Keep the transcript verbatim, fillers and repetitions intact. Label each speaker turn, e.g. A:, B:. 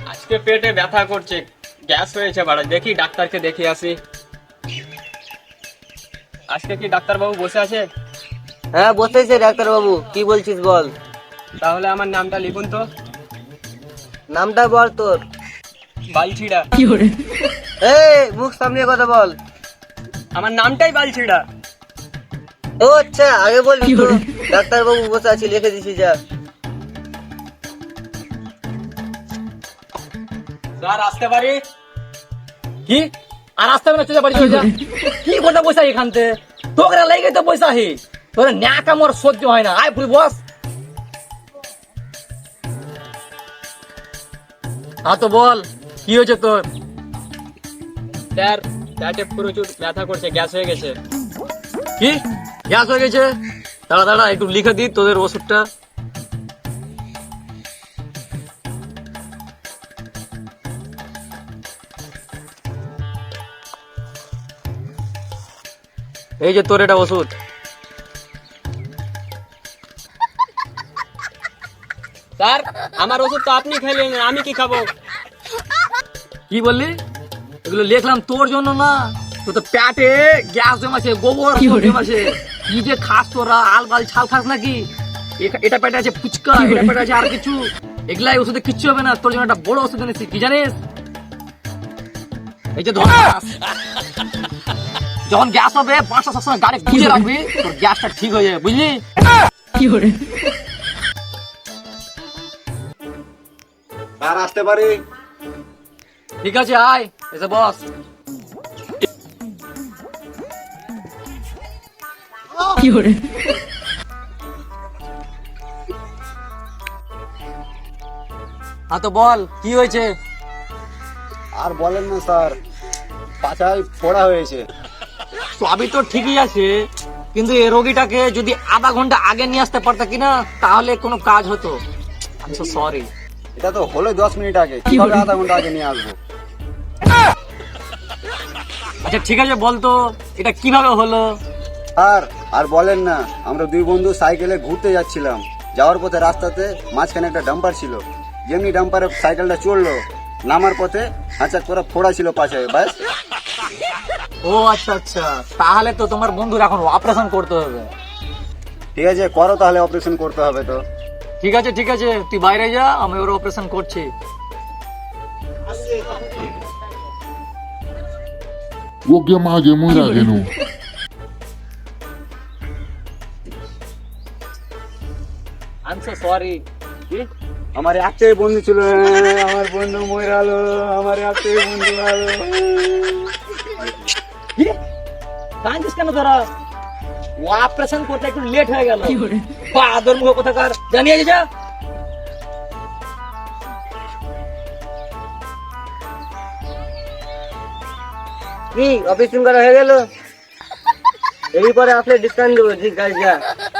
A: আজকে পেটে ব্যথা করছে, গ্যাস হয়েছে বাড়া। দেখি ডাক্তারকে দেখিয়ে আসি। আজকে কি ডাক্তার বাবু বসে আছে?
B: হ্যাঁ বসেছে ডাক্তার বাবু, কি বলছিস বল।
A: তাহলে আমার নামটা লিখুন তো।
B: নামটা বল তোর।
A: বালছিড়া।
B: এই মুখ সামনে কথা বল।
A: আমার নামটাই বালছিড়া।
B: ও আচ্ছা, আগে বলবি তো। ডাক্তার বাবু বসে আছে, লিখে দিছি যা।
A: স্যার আসতে পারি?
C: কি আর আসতে হবে না, চলে বাড়ি চলে যা। কি কথা পয়সা এখানতে তোকে লেগে তো পয়সা হি তোর ন্যাকা মোর সহ্য হয় না। আয় ফুল বস। হ্যাঁ তো বল, কি হয়েছে তোর?
A: স্যার পেটে প্রচুর ব্যথা করছে, গ্যাস হয়ে গেছে।
C: কি গ্যাস হয়ে গেছে? দাঁড়া দাঁড়া একটু লিখে দি তোদের ওষুধটা। এই যে তোর এটা ওষুধ।
A: স্যার আমার ওষুধ তো আপনি খেলেন, আমি কি খাবো?
C: কি বললি? এগুলো লিখলাম তোর জন্য না, তোর তো পেটে গ্যাস জমাছে, গোবর জমাছে। কি যে খাস তোরা, আলবাল ছাল খাস নাকি? এ- এটা পেটে আছে ফুচকা, এটা পেটে আছে আর কিছু। এগুলাই ওষুধে কিচ্ছু হবে না, তোর জন্য একটা বড় ওষুধ এনেছি, কি জানিস? এই যে ধর, যখন গ্যাস হবে পাঁচটা সবসময় গাড়ি গুঁজে রাখবি, তোর গ্যাসটা ঠিক হয়ে যাবে, বুঝলি? কি করে?
D: স্যার আসতে পারি?
C: ঠিক আছে আয়, এসে বস। কি করে? হ্যাঁ তো বল, কি হয়েছে?
D: আর বলেন না স্যার, পাছায় ফোড়া হয়েছে।
C: সবই তো ঠিকই আছে, কিন্তু এই রোগীটাকে যদি আধা ঘন্টা আগে নিয়ে আসতে পারতা কিনা, তাহলে কোনো কাজ হতো। আমি তো সরি।
D: এটা তো হলো দশ মিনিট আগে, কিভাবে আধা ঘন্টা আগে নিয়ে আসবো?
C: আচ্ছা ঠিক আছে, বলতো এটা কিভাবে হলো?
D: আর আর বলেন না, আমরা দুই বন্ধু সাইকেলে ঘুরতে যাচ্ছিলাম। যাওয়ার পথে রাস্তাতে মাঝখানে একটা ডাম্পার ছিল। যেমনি ডাম্পারে সাইকেলটা চড়লো, নামার পথে হাঁচাক করে ফোড়া ছিল পাশে, ব্যাস।
C: ও আচ্ছা আচ্ছা, তাহলে তো তোমার বন্ধুর এখন অপারেশন করতে হবে।
D: ঠিক আছে করো, তাহলে অপারেশন করতে হবে তো।
C: ঠিক আছে ঠিক আছে, তুই বাইরে যা, আমি ওর অপারেশন করছি।
E: ওকে মাঝে মরা কেন?
C: I am so sorry.
D: আমার একটাই বন্ধু ছিল, আমার বন্ধু মরালো, আমার একটাই বন্ধু আলো।
C: কাঁদিস কেন তোরা? ও অপারেশন করতে একটু লেট হয়ে গেল। বাদর মুখ কোথাকার, জানিয়ে যা।
B: কি অপারেশন করা হয়ে গেল? এরপরে আসলে ডিসকাউন্ট দেবো, ঠিক আছে যা।